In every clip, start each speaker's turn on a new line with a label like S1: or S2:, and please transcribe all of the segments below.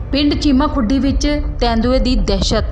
S1: ਪਿੰਡ ਚੀਮਾ ਖੁੱਡੀ ਵਿੱਚ ਤੇਂਦੂਏ ਦੀ ਦਹਿਸ਼ਤ।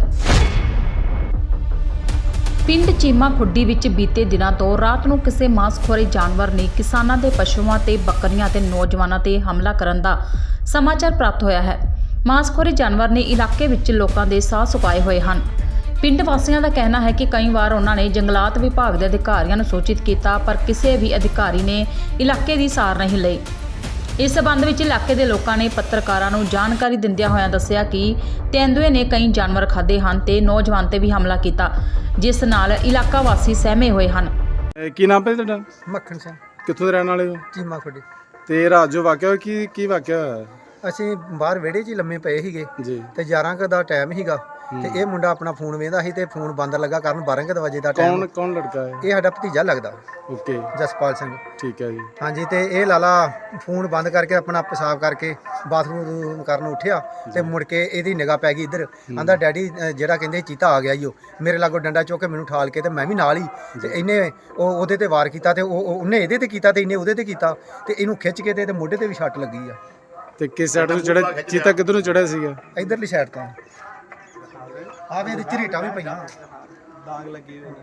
S1: ਪਿੰਡ ਚੀਮਾ ਖੁੱਡੀ ਵਿੱਚ ਬੀਤੇ ਦਿਨਾਂ ਤੋਂ ਰਾਤ ਨੂੰ ਕਿਸੇ ਮਾਸਖੋਰੇ ਜਾਨਵਰ ਨੇ ਕਿਸਾਨਾਂ ਦੇ ਪਸ਼ੂਆਂ ਤੇ ਬੱਕਰੀਆਂ ਤੇ ਨੌਜਵਾਨਾਂ ਤੇ ਹਮਲਾ ਕਰਨ ਦਾ ਸਮਾਚਾਰ ਪ੍ਰਾਪਤ ਹੋਇਆ ਹੈ। ਮਾਸਖੋਰੇ ਜਾਨਵਰ ਨੇ ਇਲਾਕੇ ਵਿੱਚ ਲੋਕਾਂ ਦੇ ਸਾਹ ਸੁਕਾਏ ਹੋਏ ਹਨ। ਪਿੰਡ ਵਾਸੀਆਂ ਦਾ ਕਹਿਣਾ ਹੈ ਕਿ ਕਈ ਵਾਰ ਉਹਨਾਂ ਨੇ ਜੰਗਲਾਤ ਵਿਭਾਗ ਦੇ ਅਧਿਕਾਰੀਆਂ ਨੂੰ ਸੂਚਿਤ ਕੀਤਾ, ਪਰ ਕਿਸੇ ਵੀ ਅਧਿਕਾਰੀ ਨੇ ਇਲਾਕੇ ਦੀ ਸਾਰ ਨਹੀਂ ਲਈ। ਇਸ ਸਬੰਧ ਵਿੱਚ ਇਲਾਕੇ ਦੇ ਲੋਕਾਂ ਨੇ ਪੱਤਰਕਾਰਾਂ ਨੂੰ ਜਾਣਕਾਰੀ ਦਿੰਦਿਆਂ ਹੋਇਆਂ ਦੱਸਿਆ ਕਿ ਤੇਂਦੂਏ ਨੇ ਕਈ ਜਾਨਵਰ ਖਾਧੇ ਹਨ ਤੇ ਨੌਜਵਾਨ ਤੇ ਵੀ ਹਮਲਾ ਕੀਤਾ, ਜਿਸ ਨਾਲ ਇਲਾਕਾ ਵਾਸੀ ਸਹਿਮੇ ਹੋਏ ਹਨ।
S2: ਕੀ ਨਾਮ ਹੈ ਤੁਹਾਡਾ?
S3: ਮੱਖਣ ਸਿੰਘ,
S2: ਕਿੱਥੋਂ ਦੇ ਰਹਿਣ ਵਾਲੇ ਹੋ?
S3: ਚੀਮਾ ਖੁੱਡੀ।
S2: ਤੇ ਰਾਤ ਜੋ ਵਾਕਿਆ ਹੋਇਆ ਕੀ ਵਾਕਿਆ ਹੋਇਆ
S3: ਅਸੀਂ ਬਾਹਰ ਵਿਹੜੇ 'ਚ ਹੀ ਲੰਮੇ ਪਏ ਸੀਗੇ
S2: ਜੀ?
S3: ਤੇ 11 ਕੁ ਦਾ ਟਾਈਮ ਸੀਗਾ ਤੇ ਇਹ ਮੁੰਡਾ ਆਪਣਾ ਫੋਨ ਵੇਂਦਾ ਸੀ ਤੇ ਫੋਨ ਬੰਦ ਲੱਗਾ ਕਰਨ 12 ਕੁ ਵਜੇ ਦਾ ਟਾਈਮ।
S2: ਕੌਣ ਲੜਕਾ ਹੈ?
S3: ਇਹ ਸਾਡਾ ਭਤੀਜਾ ਲੱਗਦਾ,
S2: ਓਕੇ,
S3: ਜਸਪਾਲ ਸਿੰਘ।
S2: ਠੀਕ ਹੈ ਜੀ।
S3: ਹਾਂਜੀ, ਤੇ ਇਹ ਲਾਲਾ ਫੋਨ ਬੰਦ ਕਰਕੇ ਆਪਣਾ ਪਿਸ਼ਾਬ ਕਰਕੇ ਬਾਥਰੂਮ ਕਰਨ ਉੱਠਿਆ ਤੇ ਮੁੜ ਕੇ ਇਹਦੀ ਨਿਗਾਹ ਪੈ ਗਈ ਇੱਧਰ। ਆਂਦਾ ਡੈਡੀ ਜਿਹੜਾ ਕਹਿੰਦੇ ਚੀਤਾ ਆ ਗਿਆ ਈ, ਉਹ ਮੇਰੇ ਲਾਗੋਂ ਡੰਡਾ ਚੁੱਕ ਕੇ ਮੈਨੂੰ ਠਾਲ ਕੇ ਤੇ ਮੈਂ ਵੀ ਨਾਲ ਹੀ ਤੇ ਇਹਨੇ ਉਹਦੇ ਤੇ ਵਾਰ ਕੀਤਾ ਤੇ ਉਹਨੇ ਇਹਦੇ ਤੇ ਕੀਤਾ ਤੇ ਇਹਨੇ ਉਹਦੇ ਤੇ ਕੀਤਾ ਤੇ ਇਹਨੂੰ ਖਿੱਚ ਕੇ ਤੇ ਮੋਢੇ ਤੇ ਵੀ ਛੱਟ ਲੱਗੀ ਆ।
S2: ਤੇ ਕਿਸ ਸਾਈਡ ਤੋਂ ਚੜਿਆ ਚੀਤਾ? ਕਿੱਧਰ ਨੂੰ ਚੜਿਆ ਸੀਗਾ?
S3: ਇਧਰਲੀ ਸਾਈਡ ਤੋਂ। ਆਵੇ ਇਹਦੇ ਝਰੀਟਾਂ ਵੀ ਪਈਆਂ, ਦਾਗ ਲੱਗੇ ਹੋਏ ਨੇ।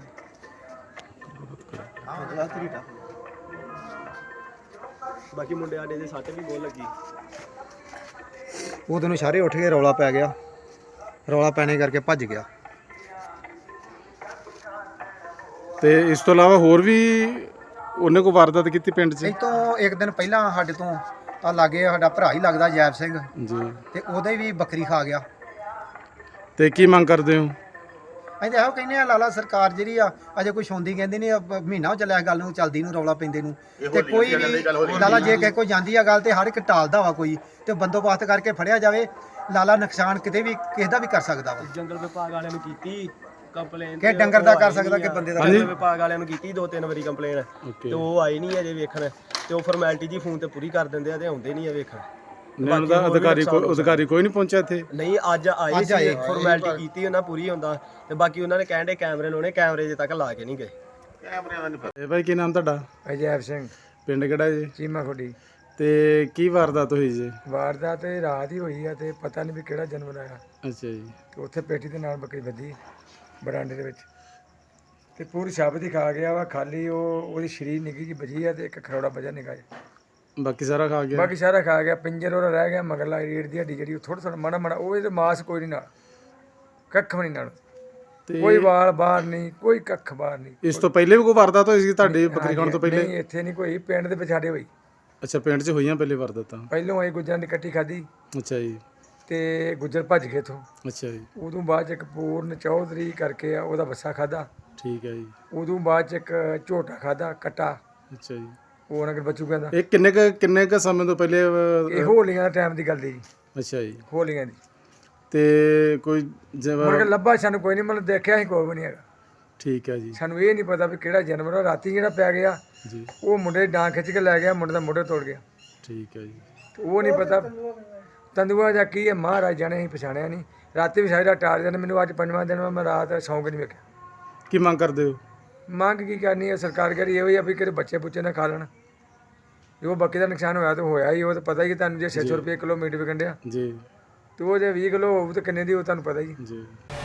S3: ਹਾਂ ਝਰੀਟਾਂ, ਬਾਕੀ ਮੁੰਡੇ ਆਡੇ ਦੇ ਸੱਟ ਵੀ ਬਹੁਤ ਲੱਗੀ। ਉਦੋਂ ਨੂੰ ਸਾਰੇ ਉੱਠ ਕੇ ਰੌਲਾ ਪੈ ਗਿਆ, ਰੌਲਾ ਪੈਣੇ ਕਰਕੇ ਭੱਜ ਗਿਆ।
S2: ਤੇ ਇਸ ਤੋਂ ਇਲਾਵਾ ਹੋਰ ਵੀ ਉਹਨੇ ਕੋਈ ਵਾਰਦਾਤ ਕੀਤੀ ਪਿੰਡ 'ਚ?
S3: ਇਹ ਤੋਂ ਇੱਕ ਦਿਨ ਪਹਿਲਾਂ ਸਾਡੇ ਤੋਂ ਆ ਲਾਗੇ ਸਾਡਾ ਭਰਾ ਹੀ ਲੱਗਦਾ ਜੈਬ ਸਿੰਘ
S2: ਜੀ,
S3: ਤੇ ਉਹਦੇ ਵੀ ਬੱਕਰੀ ਖਾ ਗਿਆ।
S2: ਤੇ ਕੀ ਮੰਗ ਕਰਦੇ ਹੋ?
S3: ਅਸੀਂ ਤਾਂ ਇਹੋ ਕਹਿੰਦੇ ਆ ਲਾਲਾ ਸਰਕਾਰ ਜਿਹੜੀ ਆ ਅਜੇ ਕੋਈ ਸੁਣਦੀ ਕਹਿੰਦੀ ਨਹੀਂ। ਮਹੀਨਾ ਹੋ ਚੱਲਿਆ ਗੱਲ ਨੂੰ ਚੱਲਦੀ ਨੂੰ, ਰੌਲਾ ਪੈਂਦੇ ਨੂੰ, ਤੇ ਕੋਈ ਵੀ ਲਾਲਾ ਜੇ ਕਿਸੇ ਕੋਈ ਜਾਂਦੀ ਆ ਗੱਲ ਤੇ ਹਰ ਇੱਕ ਟਾਲਦਾ ਵਾ ਕੋਈ, ਤੇ ਬੰਦੋਬਸਤ ਕਰਕੇ ਫੜਿਆ ਜਾਵੇ। ਲਾਲਾ ਨੁਕਸਾਨ ਕਿਤੇ ਵੀ ਕਿਸੇ ਦਾ ਵੀ ਕਰ ਸਕਦਾ ਵਾ।
S4: ਜੰਗਲ ਵਿਭਾਗ ਵਾਲਿਆਂ ਨੂੰ ਕੀਤੀ ਕੰਪਲੇਨ,
S3: ਕਿ ਡੰਗਰ ਦਾ ਕਰ ਸਕਦਾ ਕਿ ਬੰਦੇ ਦਾ।
S4: ਜੰਗਲ ਵਿਭਾਗ ਵਾਲਿਆਂ ਨੂੰ ਕੀਤੀ 2-3 ਵਾਰੀ ਕੰਪਲੇਨ ਤੇ ਉਹ ਆਏ ਨਹੀਂ ਅਜੇ ਵੇਖਣ, ਤੇ ਉਹ ਫਾਰਮੈਲਿਟੀ ਜੀ ਫੋਨ ਤੇ ਪੂਰੀ ਕਰ ਦਿੰਦੇ ਆ ਤੇ ਆਉਂਦੇ ਨਹੀਂ ਆ ਵੇਖਣ।
S2: ਉਹਨਾਂ ਦਾ ਅਧਿਕਾਰੀ ਕੋਈ ਨਹੀਂ ਪਹੁੰਚਿਆ ਇੱਥੇ?
S4: ਨਹੀਂ, ਅੱਜ ਆਏ ਸੀ, ਫਾਰਮੈਲਿਟੀ ਕੀਤੀ ਉਹਨਾਂ ਪੂਰੀ ਹੁੰਦਾ, ਤੇ ਬਾਕੀ ਉਹਨਾਂ ਨੇ ਕਹਿੰਦੇ ਕੈਮਰੇ ਲਾਉਣੇ, ਕੈਮਰੇ ਜੇ ਤੱਕ ਲਾ ਕੇ ਨਹੀਂ ਗਏ।
S2: ਇਹ ਭਾਈ ਕੀ ਨਾਮ ਤੁਹਾਡਾ?
S3: ਜੈਬ ਸਿੰਘ,
S2: ਪਿੰਡ ਕਿਹੜਾ ਜੀ?
S3: ਚੀਮਾ ਖੁੱਡੀ।
S2: ਤੇ ਕੀ ਵਾਰਦਾਤ ਹੋਈ ਜੀ?
S3: ਵਾਰਦਾਤ ਤੇ ਰਾਤ ਹੀ ਹੋਈ ਆ ਤੇ ਪਤਾ ਨਹੀਂ ਵੀ ਕਿਹੜਾ ਜਾਨਵਰ ਆਇਆ
S2: ਅੱਛਾ ਜੀ।
S3: ਤੇ ਉੱਥੇ ਪੇਟੀ ਦੇ ਨਾਲ ਬੱਕਰੀ ਵੱਧੀ ਬਰਾਂਡੇ ਦੇ ਵਿੱਚ ਤੇ ਪੂਰੀ ਸ਼ਬਦ ਹੀ ਖਾ ਗਿਆ ਵਾ। ਖਾਲੀ ਉਹਦੀ ਸ਼ਰੀਰ ਨਿੱਕੀ ਜਿਹੀ ਬਜੀ ਆ ਤੇ ਇੱਕ ਖਰੋੜਾ ਵਜਾ ਨਿਕਾ।
S2: ਬਾਕੀ ਸਾਰਾ ਖਾ ਗਿਆ?
S3: ਬਾਕੀ ਸਾਰਾ ਖਾ ਗਿਆ। ਪਿੰਜਰ ਉਹਦਾ ਰਹਿ ਗਿਆ, ਮਗਰਲਾ ਰੀੜ ਦੀ ਹੱਡੀ ਜਿਹੜੀ ਉਹ ਥੋੜਾ ਮਾੜਾ ਮਾੜਾ, ਉਹ ਇਹਦੇ ਮਾਸ ਕੋਈ ਨਹੀਂ ਨਾਲ, ਕੱਖ ਵੀ ਨਹੀਂ ਨਾਲ, ਕੋਈ ਵਾਲ ਬਾਹਰ ਨਹੀਂ, ਕੋਈ ਕੱਖ ਬਾਹਰ ਨਹੀਂ।
S2: ਇਸ ਤੋਂ ਪਹਿਲੇ ਵੀ ਕੋਈ ਵਾਰਦਾਤ ਹੋਈ ਸੀ ਤੁਹਾਡੀ ਬੱਕਰੀ ਖਾਣ ਤੋਂ ਪਹਿਲੇ?
S3: ਨਹੀਂ, ਇੱਥੇ ਨਹੀਂ ਕੋਈ, ਪਿੰਡ ਦੇ ਵਿਚਾੜੇ ਹੋਈ।
S2: ਅੱਛਾ, ਪਿੰਡ 'ਚ ਹੋਈਆਂ ਪਹਿਲੇ ਵਾਰਦਾਤਾਂ?
S3: ਪਹਿਲੋਂ ਆਈ ਗੁੱਜਰਾਂ ਦੀ ਇਕੱਠੀ ਖਾਧੀ
S2: ਅੱਛਾ ਜੀ।
S3: ਤੇ ਗੁੱਜਰ ਭੱਜ ਗਏ ਇੱਥੋਂ।
S2: ਅੱਛਾ ਜੀ।
S3: ਉਦੋਂ ਬਾਅਦ 'ਚ ਇੱਕ ਪੂਰਨ ਚੌਧਰੀ ਕਰਕੇ ਆ, ਉਹਦਾ ਬੱਸਾ ਖਾਧਾ।
S2: ਠੀਕ ਹੈ ਜੀ।
S3: ਉਦੋਂ ਬਾਅਦ 'ਚ ਇੱਕ ਝੋਟਾ ਖਾਧਾ, ਕੱਟਾ।
S2: ਅੱਛਾ ਜੀ।
S3: ਉਹ ਨਗਰ ਬੱਚੂ ਕਹਿੰਦਾ।
S2: ਇਹ ਕਿੰਨੇ ਕ ਸਮੇਂ ਤੋਂ ਪਹਿਲੇ?
S3: ਇਹ ਹੋਲੀਆਂ ਦਾ ਟਾਈਮ ਦੀ ਗੱਲ ਦੀ ਜੀ।
S2: ਅੱਛਾ ਜੀ।
S3: ਹੋਲੀਆਂ ਦੀ।
S2: ਤੇ ਕੋਈ
S3: ਮੁੜ ਕੇ ਲੱਭਾ ਸਾਨੂੰ ਕੋਈ ਨਹੀਂ, ਮਤਲਬ ਦੇਖਿਆ ਹੀ ਕੋਈ ਵੀ ਨਹੀਂ ਹੈਗਾ।
S2: ਠੀਕ ਹੈ ਜੀ।
S3: ਸਾਨੂੰ ਇਹ ਨਹੀਂ ਪਤਾ ਵੀ ਕਿਹੜਾ ਜਾਨਵਰ ਆ। ਰਾਤੀ ਜਿਹੜਾ ਪੈ ਗਿਆ
S2: ਜੀ, ਉਹ
S3: ਮੁੰਡੇ ਡਾਂ ਖਿੱਚ ਕੇ ਲੈ ਗਿਆ, ਮੁੰਡੇ ਦਾ ਮੋਢੇ ਤੋੜ ਗਿਆ।
S2: ਠੀਕ ਹੈ ਜੀ।
S3: ਉਹ ਨਹੀਂ ਪਤਾ ਤੰਦੂਆ ਜਾਂ ਕੀ ਹੈ, ਮਹਾਰਾਜ ਜਾਣੇ, ਅਸੀਂ ਪਛਾਣਿਆ ਨਹੀਂ। ਰਾਤੀ ਵੀ ਸਾਰੀ ਰਾਤ ਟਾਲ ਜਾਂਦੇ। ਮੈਨੂੰ ਅੱਜ 5ਵਾਂ ਦਿਨ ਮੈਂ ਰਾਤ ਸੌਂ ਕੇ ਨਹੀਂ ਵੇਖਿਆ।
S2: ਕੀ ਮੰਗ ਕਰਦੇ ਹੋ?
S3: ਮੰਗ ਕੀ ਕਰਨੀ ਹੈ? ਸਰਕਾਰ ਕਰੀ ਇਹੋ ਹੀ ਆ ਵੀ ਕਿਤੇ ਬੱਚੇ ਬੁੱਚੇ ਨਾ ਖਾ ਲੈਣ। ਜੋ ਬਾਕੀ ਦਾ ਨੁਕਸਾਨ ਹੋਇਆ ਤਾਂ ਹੋਇਆ ਹੀ, ਉਹ ਤਾਂ ਪਤਾ ਹੀ ਤੁਹਾਨੂੰ। ਜੇ 600 ਰੁਪਏ ਕਿਲੋ ਮੀਟ ਵਿਕਣ ਡਿਆ
S2: ਜੀ,
S3: ਤੇ ਉਹ ਜੇ 20 ਕਿਲੋ ਹੋਊ ਤਾਂ ਕਿੰਨੇ ਦੀ, ਉਹ ਤੁਹਾਨੂੰ ਪਤਾ ਹੀ।
S2: ਜੀ।